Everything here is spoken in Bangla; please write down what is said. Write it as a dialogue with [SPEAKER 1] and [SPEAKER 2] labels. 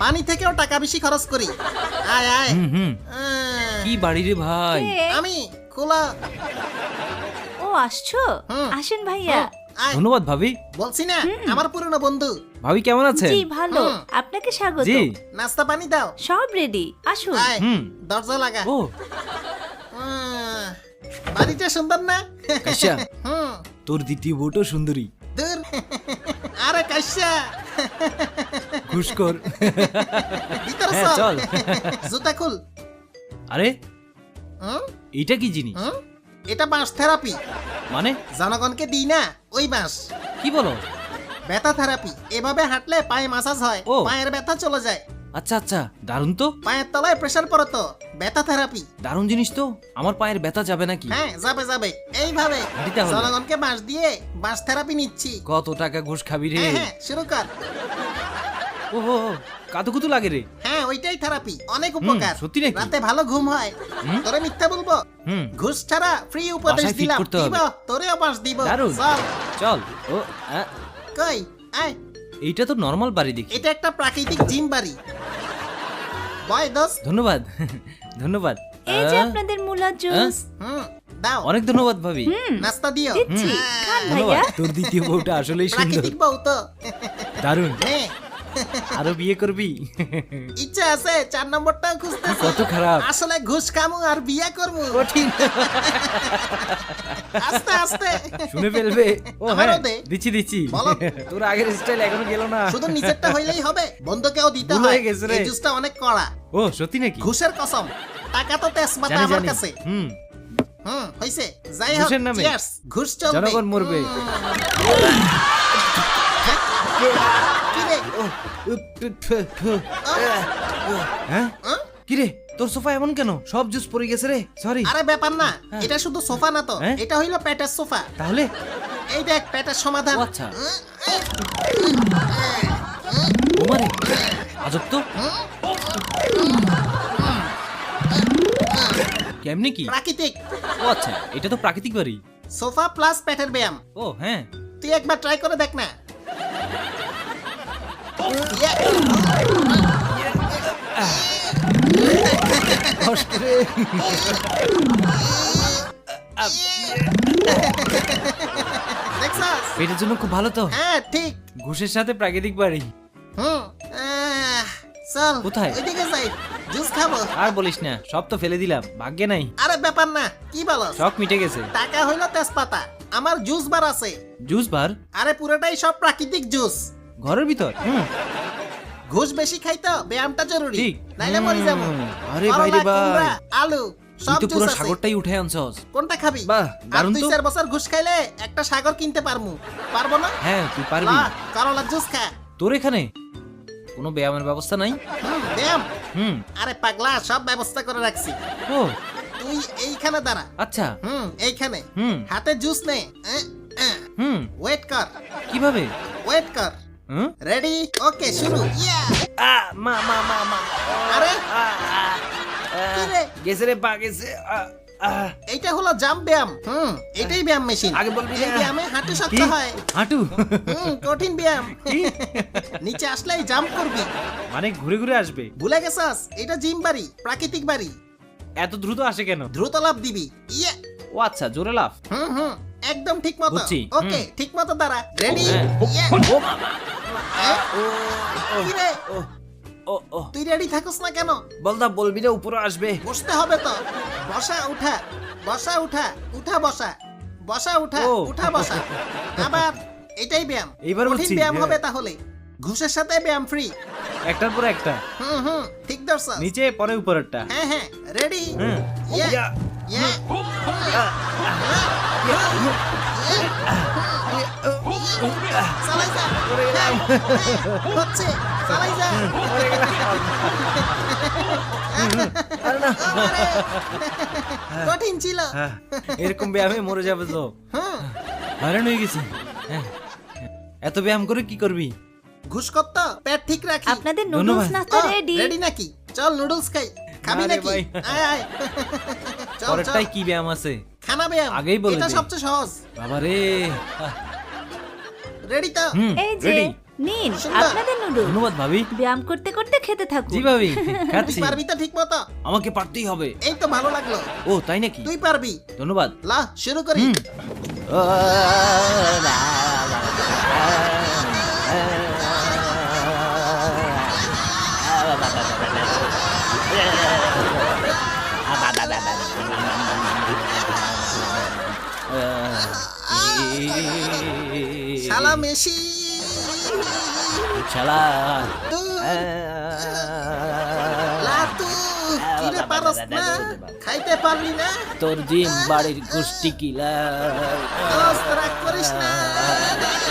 [SPEAKER 1] পানি থেকেও টাকা বেশি খরচ করি। আয় আয়।
[SPEAKER 2] কি বাড়ি রে ভাই?
[SPEAKER 1] আমি খোলা।
[SPEAKER 3] ও আসছো, আসেন ভাইয়া।
[SPEAKER 1] আয়।
[SPEAKER 2] ধন্যবাদ ভাবি।
[SPEAKER 1] বলছি না আমার পুরনো বন্ধু।
[SPEAKER 2] ভাবি কেমন আছেন?
[SPEAKER 3] জি ভালো, আপনাকে স্বাগত।
[SPEAKER 2] জি।
[SPEAKER 1] নাস্তা পানি দাও।
[SPEAKER 3] সব রেডি, আসুন।
[SPEAKER 1] আয় দরজা লাগা।
[SPEAKER 2] ও
[SPEAKER 1] বাড়িটা সুন্দর না?
[SPEAKER 2] কাশ্যা,
[SPEAKER 1] হুম
[SPEAKER 2] তোর দ্বিতীয় বউটাও সুন্দরী।
[SPEAKER 1] দূর। আরে কাশ্যা
[SPEAKER 2] ঘুষখোর।
[SPEAKER 1] ভিতরে
[SPEAKER 2] হ্যাঁ,
[SPEAKER 1] চল।
[SPEAKER 2] চল।
[SPEAKER 1] জুতা খুল।
[SPEAKER 2] আরে
[SPEAKER 1] হুম
[SPEAKER 2] এইটা কি জিনিস?
[SPEAKER 1] হুম এটা বাঁশ থেরাপি।
[SPEAKER 2] মানে
[SPEAKER 1] জনগণকে দিই না ওই বাঁশ।
[SPEAKER 2] কি বলো?
[SPEAKER 1] ব্যথা থেরাপি। এভাবে হাঁটলে পায়ে মাসাজ হয়,
[SPEAKER 2] ও।
[SPEAKER 1] পায়ের ব্যথা চলে যায়।
[SPEAKER 2] আচ্ছা আচ্ছা, দারুণ তো।
[SPEAKER 1] পায়ের তলায় প্রেসার পড়ে তো, ব্যথা থেরাপি।
[SPEAKER 2] দারুণ জিনিস তো। আমার পায়ের ব্যথা যাবে নাকি?
[SPEAKER 1] হ্যাঁ যাবে যাবে। এইভাবে
[SPEAKER 2] হাঁটি তাহলে।
[SPEAKER 1] জনগণকে বাঁশ দিয়ে বাঁশ থেরাপি নিচ্ছি।
[SPEAKER 2] কত টাকা ঘুষ খাবি রে?
[SPEAKER 1] হ্যাঁ হ্যাঁ শুরু কর।
[SPEAKER 2] ওহো, কাতুকুতু লাগে রে।
[SPEAKER 1] হ্যাঁ ওইটাই থেরাপি, অনেক উপকার।
[SPEAKER 2] সত্যি নাকি?
[SPEAKER 1] রাতে ভালো ঘুম হয়। তোরে মিথ্যা বলবো?
[SPEAKER 2] হুম
[SPEAKER 1] ঘুষ ছাড়া ফ্রি উপদেশ
[SPEAKER 2] বাসায় fit
[SPEAKER 1] দিলাম।
[SPEAKER 2] করতে হবে।
[SPEAKER 1] দিব তোরেও বাঁশ দিব।
[SPEAKER 2] দারুণ।
[SPEAKER 1] চল
[SPEAKER 2] চল। ও
[SPEAKER 1] কই আয়।
[SPEAKER 2] এইটা তো নর্মাল বাড়ি দেখি।
[SPEAKER 1] এটা একটা প্রাকৃতিক জিম বাড়ি। বয় দোস্ত।
[SPEAKER 2] ধন্যবাদ। ধন্যবাদ।
[SPEAKER 3] এই যে আপনাদের মুলা জুস।
[SPEAKER 1] দাও।
[SPEAKER 2] অনেক ধন্যবাদ ভাবি।
[SPEAKER 1] নাস্তা দিও।
[SPEAKER 3] দিচ্ছি, খান
[SPEAKER 2] ধন্যবাদ।
[SPEAKER 3] ভাইয়া।
[SPEAKER 2] তোর দ্বিতীয় বউটা আসলেই সুন্দর।
[SPEAKER 1] প্রাকৃতিক বউ তো।
[SPEAKER 2] দারুণ।
[SPEAKER 1] নে
[SPEAKER 2] আরো বিয়ে করবি?
[SPEAKER 1] ইচ্ছা আছে, 4 নম্বরটাও খুঁজতেছি।
[SPEAKER 2] কত খারাপ।
[SPEAKER 1] আসলে ঘুষ খামু আর বিয়া করমু।
[SPEAKER 2] কঠিন।
[SPEAKER 1] আস্তে আস্তে।
[SPEAKER 2] শুনে ফেলবে। ও
[SPEAKER 1] আমারও
[SPEAKER 2] হ্যাঁ,
[SPEAKER 1] দে।
[SPEAKER 2] দিচ্ছি দিচ্ছি।
[SPEAKER 1] বলো।
[SPEAKER 2] তোর আগের স্টাইল এখনো গেল না।
[SPEAKER 1] শুধু নিচেরটা হইলেই হবে, বন্ধুকেও দিতে
[SPEAKER 2] ভুল
[SPEAKER 1] হয়।
[SPEAKER 2] হয়ে গেছে রে।
[SPEAKER 1] এই জুসটা অনেক কড়া।
[SPEAKER 2] ও সত্যি নাকি?
[SPEAKER 1] ঘুষের কসম। টাকা তো তেজপাতা
[SPEAKER 2] জানি
[SPEAKER 1] আমার
[SPEAKER 2] জানি।
[SPEAKER 1] কাছে। হইছে। যাই হোক,
[SPEAKER 2] ঘুষের নামে।
[SPEAKER 1] চিয়ার্স। ঘুষ চলবে।
[SPEAKER 2] জনগণ মরবে।
[SPEAKER 1] কি রে?
[SPEAKER 2] হ্যাঁ? কি রে, তোর সোফা এমন কেন? সব জুস পড়ে গেছে রে। সরি।
[SPEAKER 1] আরে ব্যাপার না, এটা শুধু সোফা না তো,
[SPEAKER 2] হ্যাঁ?
[SPEAKER 1] এটা হইলো পেটের সোফা।
[SPEAKER 2] তাহলে
[SPEAKER 1] এই দেখ পেটের সমাধান।
[SPEAKER 2] ও আচ্ছা। ওমারে আজব তো। কেমনে কি?
[SPEAKER 1] প্রাকৃতিক
[SPEAKER 2] ও আচ্ছা, এটা তো প্রাকৃতিক বাড়ি।
[SPEAKER 1] সোফা প্লাস পেটের ব্যায়াম।
[SPEAKER 2] ও হ্যাঁ।
[SPEAKER 1] তুই একবার ট্রাই করে দেখ না। ইয়ে,
[SPEAKER 2] কষ্ট রে।
[SPEAKER 1] দেখছস?
[SPEAKER 2] পেটের জন্য খুব ভালো তো।
[SPEAKER 1] হ্যাঁ ঠিক।
[SPEAKER 2] ঘুষের সাথে প্রাকৃতিক বাড়ি।
[SPEAKER 1] চল
[SPEAKER 2] কোথায়?
[SPEAKER 1] ওইদিকে যাই, জুস খাবো।
[SPEAKER 2] আর বলিস না, সব তো ফেলে দিলাম, ভাগ্যে নাই।
[SPEAKER 1] আরে ব্যাপার না, কি বলস?
[SPEAKER 2] শখ মিটে গেছে।
[SPEAKER 1] টাকা হইলো তেজপাতা, আমার জুস বার আছে।
[SPEAKER 2] Juice bar?
[SPEAKER 1] আরে পুরোটাই সব প্রাকৃতিক জুস।
[SPEAKER 2] ঘরের ভিতর?
[SPEAKER 1] ঘুষ বেশি খাই তো ব্যায়ামটা জরুরি,
[SPEAKER 2] ঠিক।
[SPEAKER 1] নাইলে মরি যাবো।
[SPEAKER 2] আরে
[SPEAKER 1] করলা,
[SPEAKER 2] ভাই রে ভাই,
[SPEAKER 1] কুমড়া, আলু
[SPEAKER 2] তুই
[SPEAKER 1] সব
[SPEAKER 2] তো
[SPEAKER 1] জুস
[SPEAKER 2] পুরো
[SPEAKER 1] আছে।
[SPEAKER 2] সাগরটাই উঠে আনছস।
[SPEAKER 1] কোনটা খাবি?
[SPEAKER 2] বাহ,
[SPEAKER 1] আর
[SPEAKER 2] দারুণ তো।
[SPEAKER 1] 2-4 বছর ঘুষ খাইলে একটা সাগর কিনতে পারমু। পারবো না?
[SPEAKER 2] হ্যাঁ তুই পারবি।
[SPEAKER 1] লা, করলা জুস খা।
[SPEAKER 2] তোর এখানে কোনো ব্যায়ামের ব্যবস্থা নাই?
[SPEAKER 1] ব্যায়াম?
[SPEAKER 2] হুম।
[SPEAKER 1] আরে পাগলা, সব ব্যবস্থা করে রাখছি।
[SPEAKER 2] ও
[SPEAKER 1] তুই এইখানে দাঁড়া।
[SPEAKER 2] আচ্ছা।
[SPEAKER 1] এইখানে।
[SPEAKER 2] হুম।
[SPEAKER 1] হাতে জুস নে। ওয়েট কর।
[SPEAKER 2] কিভাবে?
[SPEAKER 1] ওয়েট কর।
[SPEAKER 2] হুম?
[SPEAKER 1] রেডি? ওকে শুরু। ইয়া!
[SPEAKER 2] মা মা মা মা।
[SPEAKER 1] আরে কি রে?
[SPEAKER 2] গেছে রে, পা গেছে।
[SPEAKER 1] এইটা হলো জাম্প ব্যায়াম। এটাই ব্যায়াম মেশিন।
[SPEAKER 2] আগে বলবি
[SPEAKER 1] এই
[SPEAKER 2] না।
[SPEAKER 1] ব্যায়ামে হাঁটু শক্ত
[SPEAKER 2] কি?
[SPEAKER 1] হয়।
[SPEAKER 2] হাঁটু?
[SPEAKER 1] কঠিন ব্যায়াম। নিচে আসলেই জাম্প করবি।
[SPEAKER 2] মানে ঘুরে ঘুরে আসবে?
[SPEAKER 1] ভুলে গেছস? এটা জিম বাড়ি, প্রাকৃতিক বাড়ি।
[SPEAKER 2] এত দ্রুত আসে কেন?
[SPEAKER 1] দ্রুত লাফ দিবি। ইয়া!
[SPEAKER 2] ও আচ্ছা, জোরে লাফ।
[SPEAKER 1] একদম ঠিক মতো।
[SPEAKER 2] বুঝছি।
[SPEAKER 1] ওকে, ঠিক মতো দাঁড়া। রেডি?
[SPEAKER 2] হ্যাঁ।
[SPEAKER 1] ইয়া!
[SPEAKER 2] ও মামা।
[SPEAKER 1] কি রে?
[SPEAKER 2] ও ও
[SPEAKER 1] তুই রেডি থাকস না কেন?
[SPEAKER 2] বলদা বলবি রে, উপরে আসবে।
[SPEAKER 1] বসতে হবে তো। বসা উঠা, বসা উঠা, উঠা বসা, বসা উঠা,
[SPEAKER 2] ও।
[SPEAKER 1] উঠা বসা। আবার এটাই ব্যায়াম।
[SPEAKER 2] এইবার
[SPEAKER 1] কঠিন
[SPEAKER 2] বুঝছি।
[SPEAKER 1] ব্যায়াম
[SPEAKER 2] হ্যাঁ।
[SPEAKER 1] হবে তাহলে। ঘুষের সাথে ব্যায়াম ফ্রি।
[SPEAKER 2] একটার পর একটা।
[SPEAKER 1] ঠিক ধরছস।
[SPEAKER 2] নিচে পরে উপরেরটা।
[SPEAKER 1] হ্যাঁ হ্যাঁ, রেডি?
[SPEAKER 2] হুম।
[SPEAKER 1] ইয়া!
[SPEAKER 2] ইয়া।
[SPEAKER 1] ইয়া! চালাই যা। হ্যাঁ, হচ্ছে। চালাই যা। কঠিন ছিল।
[SPEAKER 2] হ্যাঁ, এরকম ব্যায়ামে মরে যাবে তো।
[SPEAKER 1] হুম,
[SPEAKER 2] হয়রান হয়ে গেছি। হ্যাঁ। এত ব্যায়াম করে কি করবি?
[SPEAKER 1] ঘুষ কত? পেট ঠিক রাখি।
[SPEAKER 3] আপনাদের নুডলস
[SPEAKER 2] ধন্যবাদ।
[SPEAKER 3] নাস্তা রেডি।
[SPEAKER 1] রেডি নাকি? চল নুডলস খাই। খাবি
[SPEAKER 2] না রে
[SPEAKER 1] নাকি?
[SPEAKER 2] ভাই।
[SPEAKER 1] আয় আয়। চল চল।
[SPEAKER 2] পরেরটাই কি ব্যায়াম আছে?
[SPEAKER 1] খানা ব্যায়াম।
[SPEAKER 2] আগেই বলে
[SPEAKER 1] এটা
[SPEAKER 2] দে।
[SPEAKER 1] সবচেয়ে সহজ।
[SPEAKER 2] বাবা রে।
[SPEAKER 1] রেডি তো?
[SPEAKER 3] এই যে
[SPEAKER 2] রেডি।
[SPEAKER 3] নিন
[SPEAKER 1] সুন্দর।
[SPEAKER 3] আপনাদের নুডলস
[SPEAKER 2] ধন্যবাদ ভাবি।
[SPEAKER 3] ব্যায়াম করতে করতে খেতে থাকুন
[SPEAKER 2] জি ভাবি,
[SPEAKER 1] তুই
[SPEAKER 2] খাচ্ছি।
[SPEAKER 1] পারবি তো ঠিক মতো?
[SPEAKER 2] আমাকে পারতেই হবে।
[SPEAKER 1] এই তো ভালো লাগলো।
[SPEAKER 2] ও তাই নাকি?
[SPEAKER 1] তুই পারবি।
[SPEAKER 2] ধন্যবাদ।
[SPEAKER 1] লা শুরু করি।
[SPEAKER 2] হুম।
[SPEAKER 1] শালা মেশি।
[SPEAKER 2] শালা।
[SPEAKER 1] তু লা তু কিরে পারস না? খাইতে পারলি না?
[SPEAKER 2] তোর জিম বাড়ির গোষ্ঠী কিলা।
[SPEAKER 1] দোস্ত রাগ করিস না।